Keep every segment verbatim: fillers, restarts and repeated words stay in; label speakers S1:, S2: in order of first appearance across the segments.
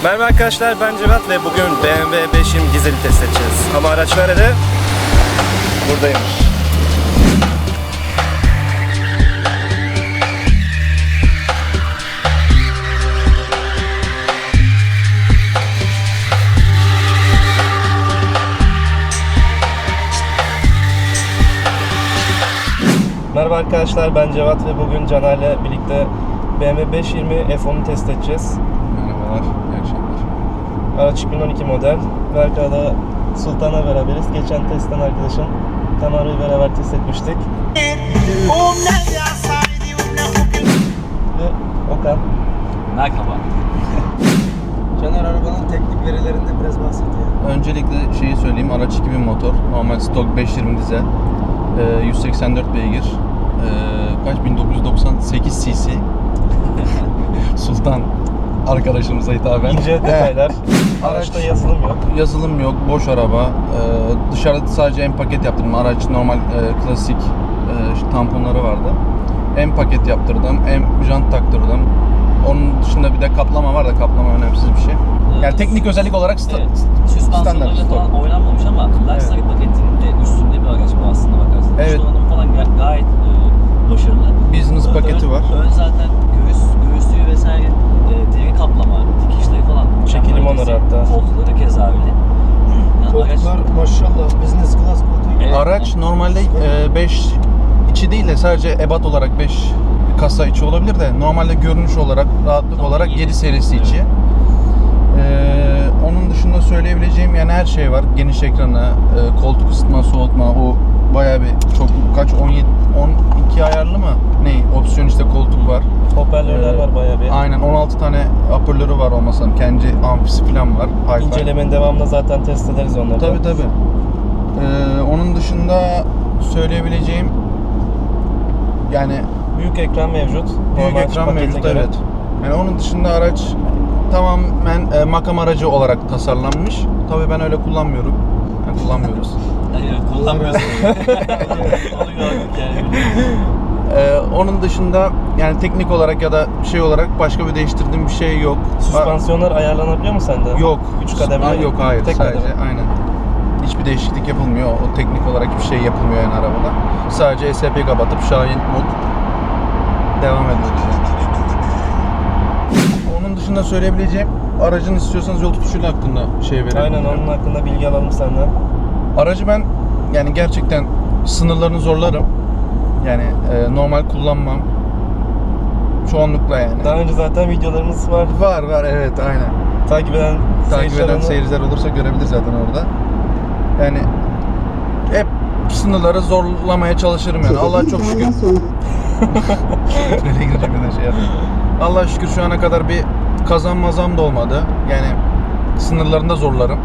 S1: Merhaba arkadaşlar, ben Cevat ve bugün B M W beşin dizeli test edeceğiz. Ama araç nerede? Buradaymış. Merhaba arkadaşlar, ben Cevat ve bugün Caner'le birlikte B M W beş yirmi F on'u test edeceğiz.
S2: Merhabalar, iyi akşamlar.
S1: Araç iki bin on iki model. Ve arkada Sultan'la beraberiz. Geçen testten arkadaşım Tamar'ı beraber test etmiştik. Ve Okan.
S3: Merhaba.
S4: Caner, arabanın teknik verilerinde biraz bahset ya.
S2: Öncelikle şeyi söyleyeyim, araç iki bin motor, normal stok beş yirmi dizel, ee, yüz seksen dört beygir, ee, kaç bin dokuz yüz doksan sekiz cc. Sultan arkadaşımıza hitaben.
S1: İnce detaylar. Araçta yazılım yok.
S2: Yazılım yok, boş araba. Ee, dışarıda sadece en paket yaptırdım. Araç normal e, klasik e, tamponları vardı. En paket yaptırdım, en jant taktırdım. Onun dışında bir de kaplama var da kaplama önemsiz bir şey. Yani
S3: Evet.
S2: teknik özellik olarak sta-
S3: Evet.
S2: standart
S3: Süspansiyonlarıyla
S2: stok.
S3: falan oynanmamış ama Luxury paketinin de üstünde bir araç bu aslında bakarsan.
S2: Evet.
S3: İç donanım falan ga- gayet e, başarılı.
S2: Business
S3: Ön-
S2: paketi var.
S3: Ön zaten göğüs, göğüslüğü vesaire e, deri kaplama, dikişleri falan.
S1: Çekilim
S3: mükemmel.
S1: onları hatta.
S3: Koltukları keza öyle. Yani araç-
S4: Koltuklar maşallah business class koltuğu.
S3: Evet.
S2: Araç normalde beş içi değil de sadece ebat olarak beş kasa içi olabilir de normalde görünüş olarak, rahatlık
S3: Tamam,
S2: olarak
S3: iyi.
S2: yedi serisi içi. Ee, onun dışında söyleyebileceğim yani her şey var. Geniş ekranı, e, koltuk ısıtma, soğutma, o bayağı bir çok kaç on yedi on iki ayarlı mı? Ne? Opsiyon işte koltuk var.
S1: Hoparlörler
S2: Ee,
S1: var bayağı bir.
S2: Aynen on altı tane hoparlörü var olmasam. Kendi amfisi falan var. Hi-Fi.
S1: İncelemenin devamında zaten test ederiz onları.
S2: Tabii tabii. Ee, onun dışında söyleyebileceğim yani
S1: Büyük ekran mevcut.
S2: büyük
S1: Normal
S2: ekran
S1: pakete
S2: mevcut,
S1: göre.
S2: evet. Yani onun dışında araç tamamen e, makam aracı olarak tasarlanmış. Tabii ben öyle kullanmıyorum. Yani kullanmıyoruz.
S3: Evet, kullanmıyorsun. Onu gördük yani.
S2: Ee, onun dışında yani teknik olarak ya da şey olarak başka bir değiştirdiğim bir şey yok.
S1: Süspansiyonlar ayarlanabiliyor mu sende?
S2: Yok.
S1: Üç kademeli.
S2: Ha, yok hayır.
S1: Tek
S2: sadece
S1: kademe.
S2: aynen. Hiçbir değişiklik yapılmıyor. O teknik olarak hiçbir şey yapılmıyor yani arabada. Sadece S P kapatıp Şahin mod devam ediyoruz. Onun dışında söyleyebileceğim aracın istiyorsanız yol tutuşuyla hakkında şey verelim.
S1: Aynen, onun hakkında bilgi alalım senden.
S2: Aracı ben yani gerçekten sınırlarını zorlarım. Yani e, normal kullanmam. Çoğunlukla yani.
S1: Daha önce zaten videolarımız var.
S2: Var var evet aynen.
S1: Takip eden
S2: Takip
S1: seyirciler
S2: eden
S1: onu-
S2: seyirciler olursa görebilir zaten orada. Yani hep sınırları zorlamaya çalışırım yani. Allah'a çok şükür. Nereye girecek bir de şey yapayım. Allah'a şükür şu ana kadar bir kazan mazam da olmadı. Yani sınırlarında zorlarım.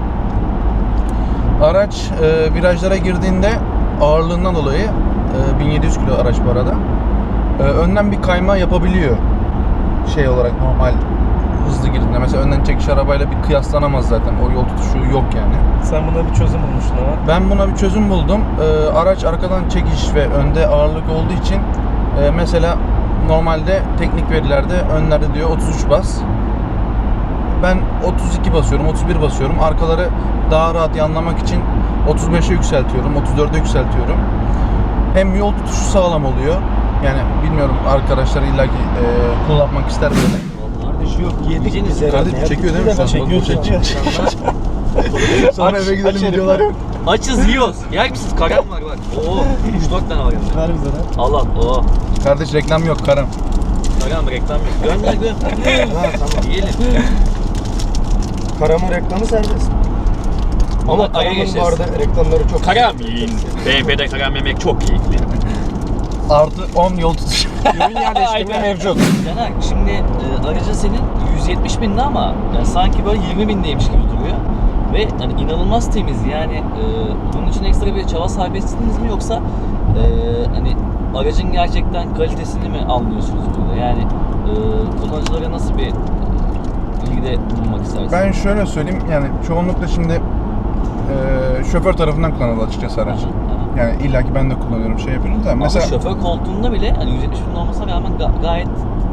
S2: Araç e, virajlara girdiğinde ağırlığından dolayı e, bin yedi yüz kilo araç bu arada. E, önden bir kayma yapabiliyor. Şey olarak normal hızlı girdiğinde. Mesela önden çekiş arabayla bir kıyaslanamaz zaten. O yol tutuşu yok yani.
S1: Sen buna bir çözüm bulmuştun ama.
S2: Ben buna bir çözüm buldum. Ee, araç arkadan çekiş ve önde ağırlık olduğu için e, mesela normalde teknik verilerde önlerde diyor otuz üç bas. Ben otuz iki basıyorum, otuz bir basıyorum. Arkaları daha rahat yanlamak için otuz beşe yükseltiyorum, otuz dörde yükseltiyorum. Hem yol tutuşu sağlam oluyor. Yani bilmiyorum arkadaşlar illaki e, kullanmak ister böyle.
S4: Kardeş yok, yedik
S3: Yiyeceğiniz
S4: biz herhalde.
S2: Kardeşim
S4: ya.
S2: çekiyor değil mi
S4: Bir defa
S2: şu an?
S1: Çekiyor,
S2: Bak, bu
S1: çekiyor.
S2: Sonra eve gidelim videolar yok.
S3: Açız yiyoruz. Yer misiniz? Karam var bak. Oo, üç dört tane var yanında.
S1: Ver bize de.
S3: Allah Allah.
S2: Kardeş reklam yok karım.
S3: Karam reklam yok. Gönder gönder.
S4: Ha, tamam.
S3: Yiyelim.
S4: Karam'ın reklamı serbest. Ama
S3: Ama araya
S4: Karam'ın
S3: geçeceğiz.
S4: bu arada reklamları çok.
S3: Karam yiyin. B M W'de karam yemek çok keyifli.
S2: Artı on yol tutuşu.
S4: Ürün yerleştirme
S3: Aynen.
S4: mevcut.
S3: Caner şimdi e, aracın senin yüz yetmiş binde ama yani sanki böyle yirmi bindeymiş gibi duruyor. Ve hani inanılmaz temiz yani e, bunun için ekstra bir çaba sarf ettiniz mi yoksa e, hani aracın gerçekten kalitesini mi anlıyorsunuz burada? Yani e, kullanıcılara nasıl bir bilgide bulunmak istersiniz?
S2: Ben şöyle söyleyeyim yani çoğunlukla şimdi e, şoför tarafından kullanıldı açıkçası araç.
S3: Aha, aha.
S2: Yani illaki ben de kullanıyorum şey yapıyorum da
S3: Ama
S2: mesela
S3: şoför koltuğunda bile hani yüz yetmiş bin olmasına rağmen ga- gayet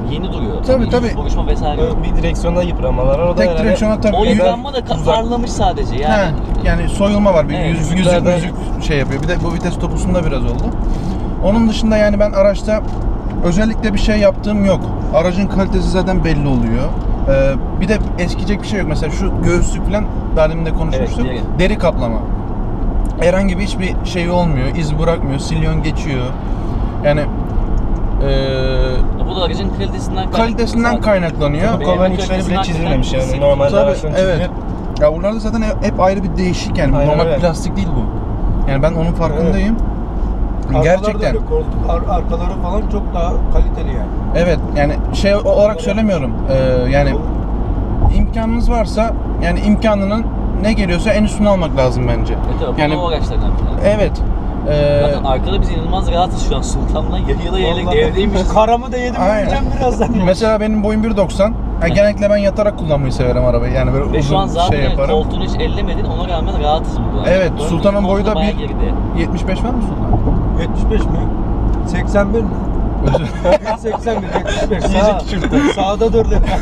S3: yeni duruyor.
S2: Tabii,
S3: Hani
S2: tabii.
S3: hiç buruşma vesaire yok.
S1: Bir direksiyonda yıpranmalar var. O da
S2: Tek
S1: herhalde
S2: direksiyona tabii.
S3: O
S2: yüz-
S3: yıpranma da ka-
S1: uzak.
S3: parlamış sadece yani.
S2: Ha, yani soyulma var. Bir
S3: Evet,
S2: yüz, yüzük,
S1: yüzüklerden-
S2: yüzük şey yapıyor. Bir de bu vites topusunda biraz oldu. Onun dışında yani ben araçta özellikle bir şey yaptığım yok. Aracın kalitesi zaten belli oluyor. Ee, bir de eskiyecek bir şey yok. Mesela şu göğüslük falan daha demin de konuşmuştuk.
S3: Evet, deri.
S2: deri kaplama. Herhangi bir hiçbir şey olmuyor. İz bırakmıyor. Silyon geçiyor. Yani ee,
S3: Bu da aracın kalitesinden kaynaklı.
S2: kalitesinden
S3: zaten.
S2: kaynaklanıyor.
S1: bu kolların içleri bile çizilmemiş yani. Normalde
S2: Tabii,
S1: araçların
S2: evet.
S1: çizili.
S2: Ya bunlarda zaten hep ayrı bir değişik yani.
S1: Aynen
S2: Normal
S1: öyle.
S2: plastik değil bu. Yani ben onun farkındayım.
S4: Arkaları da
S2: Gerçekten.
S4: öyle, koltuk ar- arkaları falan çok daha kaliteli yani.
S2: Evet yani şey olarak söylemiyorum. Ee, yani imkanınız varsa yani imkanının ne geliyorsa en üstünü almak lazım bence.
S3: E tabii
S2: Yani
S3: yani, o araçlardan bir tanesi.
S2: evet. Ee,
S3: Zaten arkada biz inanılmaz rahatız şu an Sultan'la yayıla yayıla
S4: Vallahi
S3: evdeymişiz.
S4: Karamı da yedim
S2: Aynen.
S4: yiyeceğim birazdan.
S2: mesela benim boyum bir doksan. Yani genellikle ben yatarak kullanmayı severim arabayı. Yani böyle
S3: Ve şu an
S2: uzun
S3: zaten
S2: şey yaparım.
S3: koltuğunu hiç ellemedin ona rağmen rahatız burada.
S2: Evet,
S3: Böyle
S2: Sultan'ın boyu da
S3: bayağı
S2: bir-
S3: geride.
S2: yetmiş beş var mı Sultan?
S4: yetmiş beş mi? seksen bir mi?
S2: Özür-
S4: seksen bir, yetmiş beş.
S1: İyice
S4: Sağ,
S1: küçülttü.
S4: sağda dur dedi.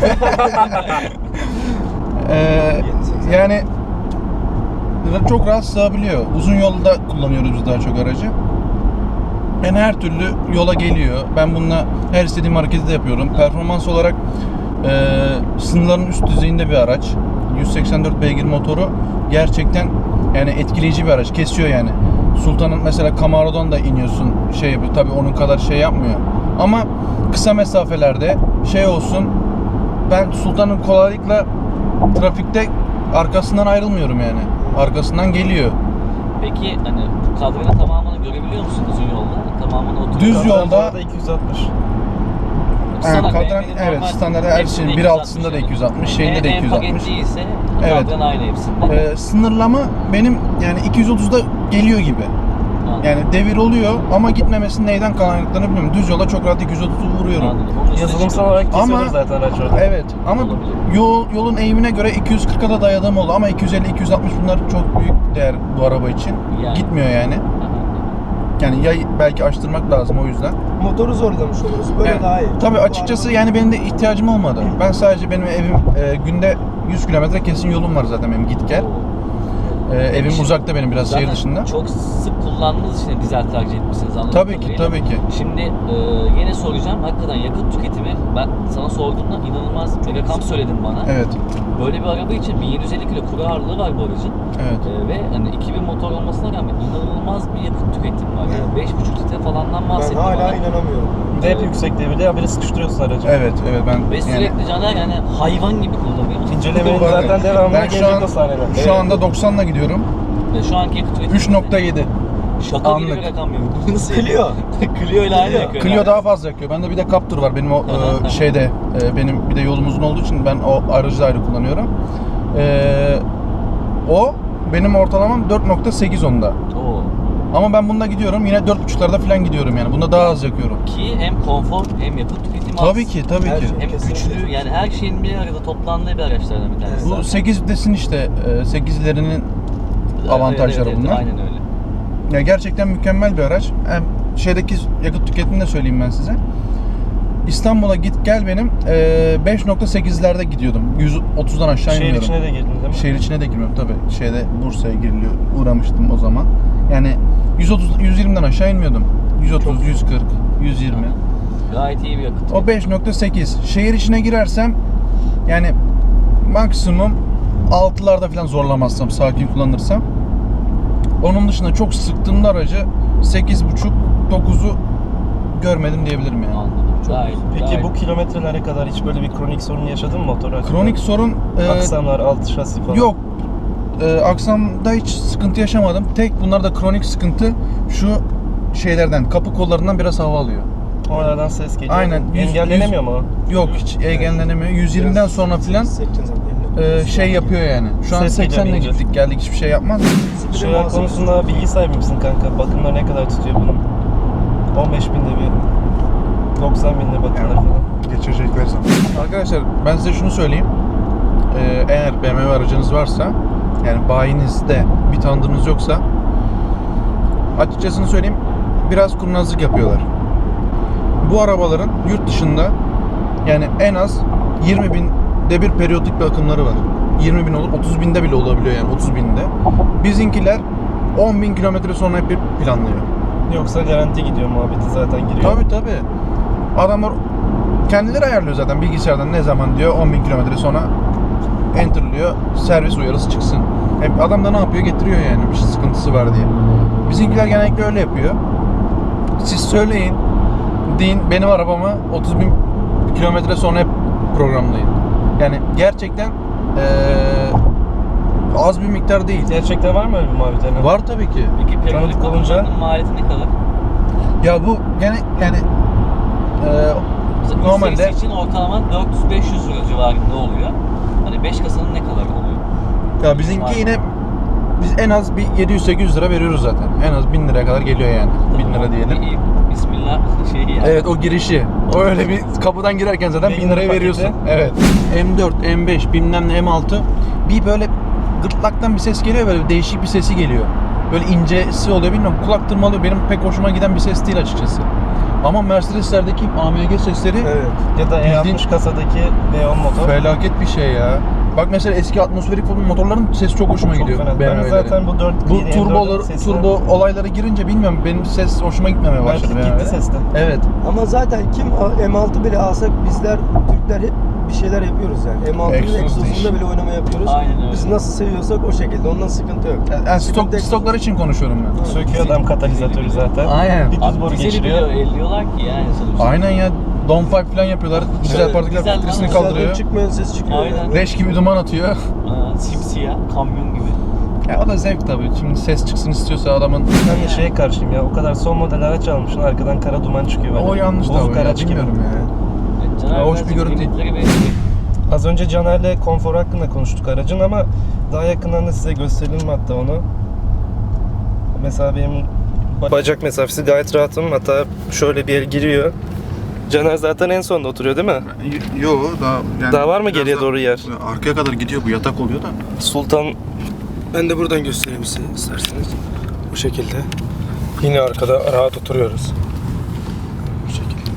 S2: Ee, yani çok rahat sığabiliyor. Uzun yolda kullanıyoruz biz daha çok aracı. Yani her türlü yola geliyor. Ben bununla her istediğim hareketi de yapıyorum. Performans olarak e, sınırların üst düzeyinde bir araç. yüz seksen dört beygir motoru gerçekten yani etkileyici bir araç. Kesiyor yani. Sultan'ın mesela Camaro'dan da iniyorsun şey yapıyor. Tabii onun kadar şey yapmıyor. Ama kısa mesafelerde şey olsun ben Sultan'ın kolaylıkla trafikte arkasından ayrılmıyorum yani. Arkasından geliyor.
S3: Peki hani bu kadranın tamamını görebiliyor musun uzun yolda? Tamamını oturuyor.
S2: Düz
S1: Kadran
S2: yolda-
S1: bu arada iki yüz altmış.
S2: Yani
S3: Standart,
S2: kadran
S3: B M W'nin
S2: evet
S3: normal
S2: standart her
S3: hepsinde
S2: şeyin bir altısında da iki yüz altmış, şeyinde de
S3: En-
S2: iki yüz
S3: En
S2: altmış.
S3: paket değilse
S2: Evet.
S3: kadran aynı hepsinde.
S2: Ee, sınırlama benim yani iki yüz otuzda geliyor gibi.
S3: Anladım.
S2: Yani devir oluyor ama gitmemesinin neyden kaynaklandığını bilmiyorum. Düz yola çok rahat iki yüz otuzu vuruyorum.
S3: Anladım. Onun üstüne
S1: Yazılımsal
S3: çıkıyor.
S1: olarak kesiyordur
S2: Ama-
S1: zaten araç orada.
S2: Evet ama
S3: Olabilir.
S2: yol, yolun eğimine göre iki yüz kırka da dayadığım oldu ama iki yüz elli iki yüz altmış bunlar çok büyük değer bu araba için.
S3: Yani.
S2: Gitmiyor yani. Yani ya belki açtırmak lazım o yüzden.
S4: Motoru zorlamış oluruz. Böyle
S2: Yani,
S4: daha iyi.
S2: tabii
S4: Bu
S2: açıkçası
S4: araba-
S2: yani benim de ihtiyacım olmadı. Ben sadece benim evim e, günde yüz kilometre kesin yolum var zaten benim git gel. E, evim
S3: Şimdi-
S2: uzakta benim biraz şehir
S3: Zaten
S2: dışında.
S3: çok sık kullandığınız için dizel tercih etmişsiniz anladığım
S2: Tabii ki
S3: kadarıyla.
S2: tabii ki.
S3: Şimdi e, yine soracağım. Hakikaten yakıt tüketimi ben sana sorduğumda inanılmaz bir rakam söyledin bana.
S2: Evet.
S3: Böyle bir araba için bin yedi yüz elli kilo kuru ağırlığı var bu aracın.
S2: Evet.
S3: E, ve hani iki bin motor olmasına rağmen inanılmaz bir yakıt tüketimi var. Yani beş buçuk litre falandan
S4: Ben
S3: bahsettim.
S4: hala
S3: bana.
S4: inanamıyorum.
S1: Bir de hep yüksekte bile haberi sıkıştırıyorsun aracı.
S2: Evet, evet ben
S3: Ve
S2: yani
S3: sürekli Caner yani hayvan gibi kullanıyor.
S1: İncelemenin
S2: Bakın,
S1: zaten devamlı
S2: ben şu
S1: gelecek
S2: an
S1: o sahneler.
S2: şu anda doksanla gidiyorum.
S3: Ve şu anki yakıt tüketimi
S2: üç nokta yedi.
S3: şaka gibi
S2: anlık.
S3: bir rakam yok. Nasıl?
S4: Clio.
S3: Clio ile aynı
S4: Clio.
S3: yakıyor.
S2: Clio
S3: yani.
S2: daha fazla yakıyor. Bende bir de Captur var. Benim o
S3: Aha.
S2: e, şeyde e, benim bir de yolum uzun olduğu için ben o aracı da ayrı kullanıyorum. E, o benim ortalamam dört nokta sekiz onda.
S3: Oo.
S2: Ama ben bunda gidiyorum yine dört buçuklarda falan gidiyorum yani. Bunda daha az yakıyorum.
S3: Ki hem konfor hem yakıt tüketimi az.
S2: Tabii ki, tabii
S4: Her
S2: ki.
S4: şey.
S3: Hem
S4: Kesinlikle.
S3: güçlü yani her şeyin bir arada toplandığı bir araçlardan bir tanesi.
S2: Bu
S3: zaten.
S2: sekiz vitesin işte e, sekizlerinin
S3: Evet,
S2: avantajları
S3: evet, evet,
S2: bunlar.
S3: Aynen öyle.
S2: Ya gerçekten mükemmel bir araç. Hem şeydeki yakıt tüketimini de söyleyeyim ben size. İstanbul'a git gel benim e, beş nokta sekizlerde gidiyordum. yüz otuzdan aşağı
S1: Şehir
S2: inmiyorum.
S1: içine de girdin değil mi?
S2: Şehir içine de girmiyorum tabii. Şeyde Bursa'ya giriliyor. Uğramıştım o zaman. Yani yüz otuz yüz yirmiden aşağı inmiyordum. yüz otuz, yüz kırk, yüz yirmi.
S3: Gayet iyi bir yakıt.
S2: O beş nokta sekiz. Şehir içine girersem yani maksimum altılarda falan zorlamazsam, sakin kullanırsam. Onun dışında çok sıktığımda aracı sekiz buçuk dokuzu görmedim diyebilirim yani.
S3: Anladım. Gayet,
S1: Peki
S3: gayet.
S1: bu kilometrelere kadar hiç böyle bir kronik sorun yaşadın mı motor hakkında?
S2: Kronik sorun e,
S1: Aksamlar, alt şasi falan.
S2: yok. E, aksamda hiç sıkıntı yaşamadım. Tek bunlarda kronik sıkıntı şu şeylerden, kapı kollarından biraz hava alıyor.
S1: Oralardan ses geliyor.
S2: Aynen, yüz-
S1: Engellenemiyor mu o?
S2: Yok hiç engellenemiyor. yüz yirmiden sonra filan e, şey yapıyor yani. Şu an
S1: Ses geliyor
S2: seksenle
S1: ince.
S2: gittik geldik hiçbir şey yapmaz.
S1: Şey konusunda bilgi sahibi misin kanka? Bakımlar ne kadar tutuyor bunun? on beş binde bir, doksan binde bakımlar falan.
S2: Geçirecekler zaman. Arkadaşlar ben size şunu söyleyeyim. Ee, eğer B M W aracınız varsa yani bayinizde bir tanıdığınız yoksa açıkçası söyleyeyim biraz kurnazlık yapıyorlar. Bu arabaların yurt dışında Yani en az yirmi binde bir periyodik bir akımları var. yirmi bin olur, otuz binde bile olabiliyor yani otuz binde. Bizimkiler on bin kilometre sonra hep bir planlıyor.
S1: Yoksa garanti gidiyor muhabbeti zaten giriyor.
S2: Tabii tabii. Adamlar kendileri ayarlıyor zaten bilgisayardan ne zaman diyor on bin kilometre sonra enter'lıyor, servis uyarısı çıksın. Hep adam da ne yapıyor? Getiriyor yani bir sıkıntısı var diye. Bizimkiler genellikle öyle yapıyor. Siz söyleyin, deyin benim arabamı otuz bin kilometre sonra hep programlayın. Yani gerçekten ee, az bir miktar değil.
S1: Gerçekten var mı öyle bir muhabbet? Yani?
S2: Var tabii ki.
S3: Peki periyodik
S1: Tanıdık olunca-
S3: bakımlarının maliyeti ne kadar?
S2: Ya bu gene yani ee,
S3: Mesela
S2: normalde
S3: normalde için ortalama dört yüz beş yüz lira civarında oluyor. Hani beş kasanın ne kadar oluyor?
S2: ya bizimki yine biz en az bir yedi yüz sekiz yüz lira veriyoruz zaten. En az bin liraya kadar geliyor yani. bin lira diyelim.
S3: İyi, Bismillah şeyi yani.
S2: Evet o girişi. O öyle bir kapıdan girerken zaten bin liraya veriyorsun. Evet. M dört, M beş, bilmem ne M altı bir böyle gırtlaktan bir ses geliyor, böyle değişik bir sesi geliyor. Böyle incesi oluyor, bilmiyorum, kulak tırmalıyor. Benim pek hoşuma giden bir ses değil açıkçası. Ama Mercedes'lerdeki A M G sesleri
S4: Evet.
S1: Ya da E altmış kasadaki V on motor.
S2: felaket bir şey ya. Bak mesela eski atmosferik motorların sesi çok hoşuma
S1: Çok
S2: gidiyor.
S1: fena.
S2: B M
S1: Ben
S2: W'lerin.
S1: zaten bu dört
S2: Bu turbolar, turbo olaylara girince bilmiyorum, benim ses hoşuma gitmemeye başladı.
S1: Belki
S2: B M
S1: gitti
S2: W'de.
S1: seste.
S2: Evet.
S4: Ama zaten kim M altı bile alsak bizler Türkler hep bir şeyler yapıyoruz yani. M altının
S2: Egzoz
S4: egzozunda
S2: diş.
S4: bile oynama yapıyoruz.
S3: Aynen öyle.
S4: Biz nasıl seviyorsak o şekilde. Ondan sıkıntı yok.
S2: Yani, yani stok,
S4: Sıkıntı-
S2: stoklar için konuşuyorum ben.
S1: Söküyor adam katalizatörü zaten.
S2: Aynen.
S1: Bir düz
S3: Abi
S1: boru
S3: dizeli
S1: geçiriyor.
S3: bile elliyorlar ki yani sonuçta.
S2: Aynen ya. Downpipe falan yapıyorlar. Dizel
S3: Evet,
S2: partiküler
S3: dizel
S2: filtresini
S3: lan.
S2: kaldırıyor.
S4: Dışarıdan çıkmayan ses çıkıyor.
S3: Aynen.
S4: Yani.
S2: Leş gibi duman atıyor.
S3: Aa, simsiyah, kamyon gibi.
S2: Ya o da zevk tabii. Şimdi ses çıksın istiyorsa adamın.
S1: Ben de şeye karşıyım ya. O kadar son model araç almışsın, arkadan kara duman çıkıyor böyle.
S2: O yanlış
S1: Bozuk
S2: tabii ya.
S1: araç gibi.
S2: Bilmiyorum ya.
S3: Evet, Caner
S2: Ya hoş bir
S3: birazcık
S2: görüntü değil.
S3: limitleri belirliyor.
S1: Az önce Caner'le konfor hakkında konuştuk aracın ama daha yakından da size gösterelim hatta onu. Mesela benim bacak mesafesi gayet rahatım. Hatta şöyle bir yer giriyor. Caner zaten en sonda oturuyor değil mi?
S2: Yo daha yani.
S1: Daha var mı geriye doğru yer?
S2: Arkaya kadar gidiyor, bu yatak oluyor da.
S1: Sultan
S4: Ben de buradan göstereyim size isterseniz.
S1: bu şekilde. Yine arkada rahat oturuyoruz. Bu şekilde.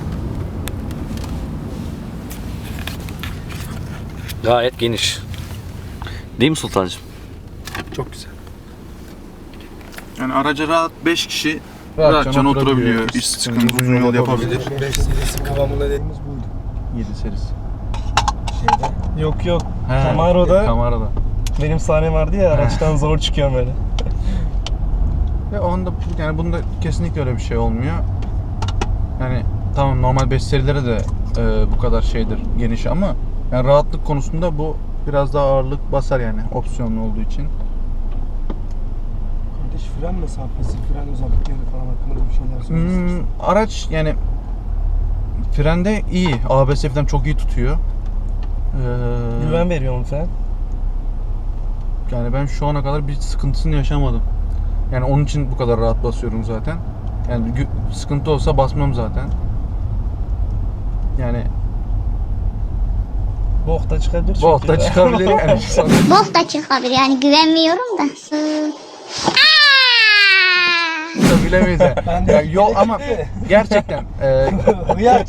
S3: Gayet geniş. Değil mi Sultancığım?
S2: Çok güzel. Yani araca rahat beş kişi
S5: Rahatça
S2: rahatça oturabiliyor.
S5: oturabiliyor.
S2: İş sıkıntı, uzun yol yapabilir.
S4: beş serisi kıvamında dediğimiz buydu.
S2: yedi serisi.
S4: Şeyde.
S1: Yok yok.
S2: He,
S1: Camaro'da
S2: Camaro'da.
S1: benim sahnem vardı ya, araçtan zor çıkıyorum böyle.
S2: Ve onda yani bunda kesinlikle öyle bir şey olmuyor. Yani tamam normal beş serilere de e, bu kadar şeydir, geniş ama yani rahatlık konusunda bu biraz daha ağırlık basar yani opsiyonlu olduğu için.
S4: Kardeş fren mesafesi, fren özellikleri falan hakkında bir şeyler söylüyorsunuz.
S2: Hmm, araç yani frende iyi. A B S falan çok iyi tutuyor. Ee,
S1: Güven veriyor mu falan?
S2: Yani ben şu ana kadar bir sıkıntısını yaşamadım. Yani onun için bu kadar rahat basıyorum zaten. Yani gü- sıkıntı olsa basmam zaten. Yani
S1: Bok da çıkabilir çünkü.
S2: Bok da çıkabilir yani.
S6: Bok da çıkabilir yani güvenmiyorum da.
S2: Bilemeyiz yani.
S4: Ben de-
S2: Ya yol ama gerçekten e,
S4: Hıyar.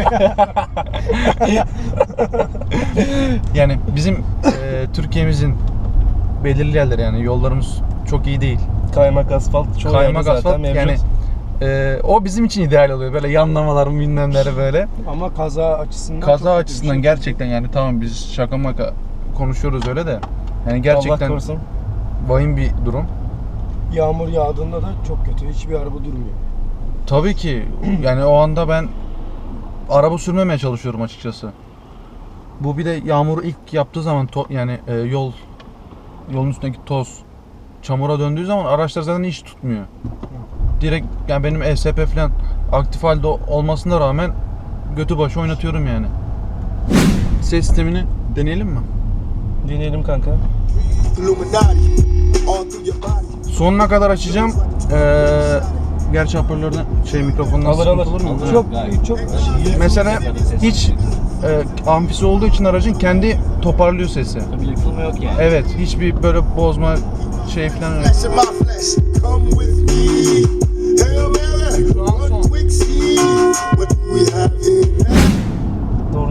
S2: yani bizim e, Türkiye'mizin belirli yerleri yani yollarımız çok iyi değil.
S1: Kaymak asfalt çoğu
S2: Kaymak
S1: yerde zaten
S2: asfalt
S1: mevcut.
S2: yani e, o bizim için ideal oluyor. Böyle yanlamalar bilmemleri böyle.
S4: Ama kaza açısından çok
S2: Kaza
S4: kötü bir
S2: açısından
S4: şey.
S2: gerçekten yani tamam biz şaka maka konuşuyoruz öyle de yani
S1: Allah
S2: gerçekten
S1: korusun.
S2: vahim bir durum.
S4: Yağmur yağdığında da çok kötü. Hiçbir araba durmuyor.
S2: Tabii ki yani o anda ben araba sürmemeye çalışıyorum açıkçası. Bu bir de yağmuru ilk yaptığı zaman to- yani e, yol yolun üstündeki toz çamura döndüğü zaman araçlar zaten hiç tutmuyor. Direkt yani benim E S P falan aktif halde olmasına rağmen götü başı oynatıyorum yani. Ses sistemini deneyelim mi?
S1: Dinleyelim kanka.
S2: Sonuna kadar açacağım. Ee, gerçi hoparlörden şey mikrofondan
S1: Alır,
S2: sıkıntı
S1: alır.
S2: olur mu?
S1: Alır.
S2: Evet.
S4: Çok
S1: Gayet.
S4: çok
S2: Mesela hiç e, amfisi olduğu için aracın kendi toparlıyor sesi.
S3: Bir yıkılma yok yani.
S2: Evet, hiçbir böyle bozma şey falan yok.
S7: Flesh in my flesh, come with me. Hail Mary, one quick see what we have here.
S1: Doğru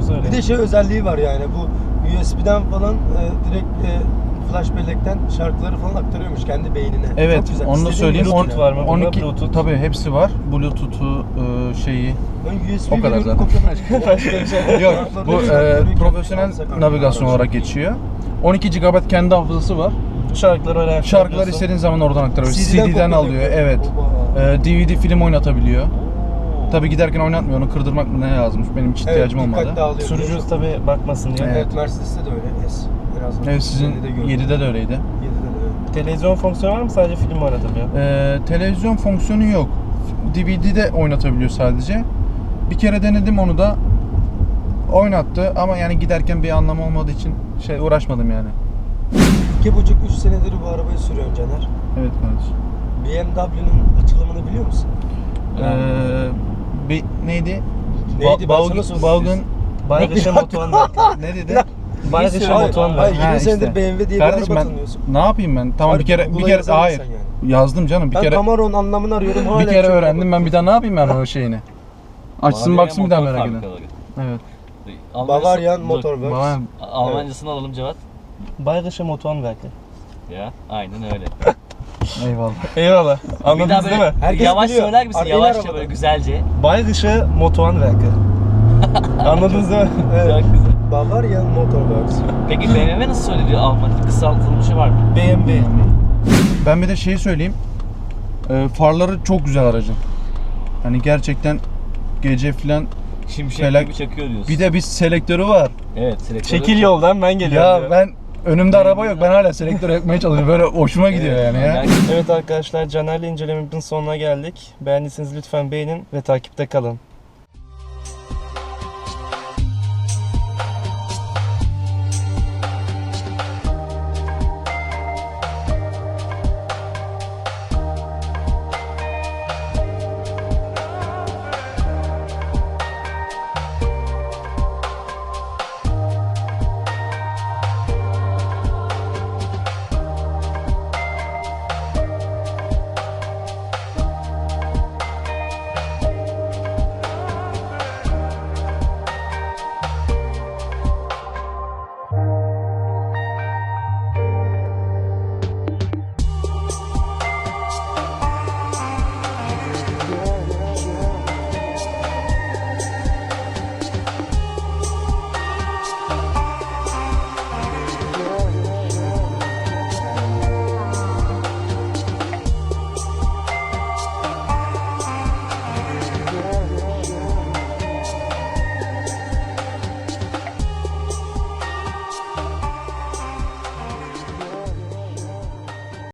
S1: öyle.
S4: Bir de şey özelliği var yani bu U S B'den falan e, direkt e, flash bellekten şarkıları falan aktarıyormuş kendi beynine.
S2: Evet,
S4: Çok güzel.
S2: onu da
S4: İstediğin
S2: söyleyeyim.
S4: gibi
S1: Bluetooth var mı?
S2: on
S1: Bunda
S2: iki
S1: Bluetooth.
S2: tabii hepsi var. Bluetooth'u e, şeyi.
S4: Ben U S B
S2: O kadar
S4: veriyorum,
S2: zaten.
S4: kopyaladım.
S2: Yok,
S4: Şarkıları
S2: bu
S4: da
S2: e,
S4: şarkıları
S2: profesyonel
S4: alsak
S2: navigasyon
S4: artık.
S2: olarak geçiyor. on iki gigabayt kendi hafızası var.
S1: Şarkıları öyle
S2: Şarkılar
S1: aktarıyorsun.
S2: istediğin zaman oradan aktarıyor.
S4: C D'den
S2: C D'den alıyor,
S4: kopyalıyor.
S2: evet.
S4: Oba.
S2: E, D V D film oynatabiliyor.
S3: Oo.
S2: Tabii giderken oynatmıyor, onu kırdırmak mı ne yazmış. Benim hiç ihtiyacım
S4: evet,
S2: olmadı.
S4: dikkat dağılıyor.
S1: Sürücüsü tabii bakmasın diye.
S2: Evet.
S4: Evet, Mercedes'te de öyle. S. En azından
S2: Evet, sizin
S4: yedide gördüm.
S2: yedide de öyleydi.
S4: yedide de öyle.
S1: Televizyon fonksiyonu var mı? Sadece film mi oynatabiliyor?
S2: Ee, televizyon fonksiyonu yok. D V D'de oynatabiliyor sadece. Bir kere denedim onu da. Oynattı ama yani giderken bir anlamı olmadığı için şey uğraşmadım yani.
S4: İki buçuk, üç senedir bu arabayı sürüyorsun Caner.
S2: Evet kardeşim.
S4: B M W'nin açılımını biliyor musun?
S2: Ee, bir neydi?
S4: Neydi? Ben
S2: Ba-
S4: sana
S2: Baugen,
S4: sordum.
S2: Baugen
S1: Baygışa Motuan Berk.
S2: ne dedi?
S1: Baygışa
S4: Hayır,
S1: Motuan
S4: hayır,
S1: Berk.
S2: Ha,
S4: yirmi
S2: işte.
S4: senedir B M W diye
S2: Kardeşim
S4: bir araba
S2: ben
S4: tanıyorsun.
S2: ne yapayım ben? Tamam
S4: Harbi
S2: bir kere bir
S4: Google'a
S2: kere
S4: yazar mısın
S2: hayır.
S4: yani?
S2: Yazdım canım bir
S4: Ben
S2: kere
S4: Camaro'nun anlamını arıyorum hala.
S2: bir kere
S4: çok
S2: öğrendim. Ben bir daha ne yapayım ben o şeyini? Açsın
S3: Bavaria
S2: baksın bir daha
S3: motor
S2: merak ederim.
S3: fabrikaları.
S2: Evet.
S3: Almanya'sı-
S4: Bavarian
S3: Dur,
S4: Motor Works.
S2: Bana
S3: Almancasını alalım Cevat.
S1: Baygışa Motuan Berk.
S3: Ya aynen öyle.
S2: eyvallah.
S1: Eyvallah.
S3: Bir daha
S1: Anladınız değil
S3: böyle
S1: mi?
S4: Herkes
S3: yavaş
S4: biliyor.
S3: söyler misin?
S4: Ar-
S3: Yavaşça
S4: arabadan.
S3: böyle güzelce.
S1: Baygışa Motuan Berk. Anladınız değil mi?
S4: Evet.
S3: Çok güzel.
S4: Bavarian Motor Works.
S3: Peki B M W nasıl söyleniyor? Almanca kısaltılmışı var mı?
S1: B M W.
S2: Ben bir de şeyi söyleyeyim. Ee, farları çok güzel aracın. Hani gerçekten gece filan
S3: Şimşek
S2: Felak-
S3: gibi çakıyor diyorsun.
S2: bir de bir selektörü var.
S3: Evet. selektörü-
S1: Çekil yoldan ben geliyorum.
S2: Ya
S1: diyor.
S2: ben önümde araba yok. Ben hala selektör yakmaya çalışıyorum. Böyle hoşuma gidiyor
S3: Evet,
S2: yani ya.
S3: yani-
S1: Evet arkadaşlar, Caner'le incelememizin sonuna geldik. Beğendiyseniz lütfen beğenin ve takipte kalın.